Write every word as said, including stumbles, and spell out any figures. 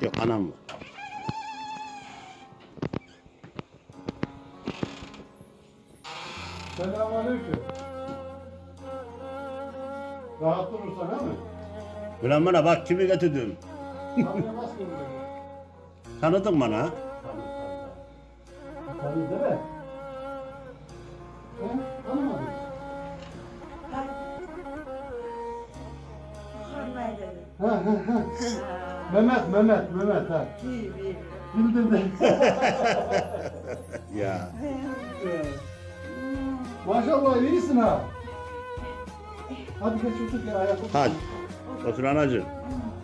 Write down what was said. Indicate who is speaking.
Speaker 1: Yok anam var.
Speaker 2: Selamünaleyküm. Rahat durursan ha mı?
Speaker 1: Ulan bana bak kimi getirdim.
Speaker 2: Tanıyamaz ki bunu.
Speaker 1: Tanıdın bana.
Speaker 2: Tanı değil mi? He? Tanımadın. Ha ha ha. Mehmet, Mehmet, Mehmet ha. Bildin de.
Speaker 1: Ya.
Speaker 2: Maşallah iyisin ha. Hadi geç otur gel ayakta.
Speaker 1: Hadi. Otur anacığım.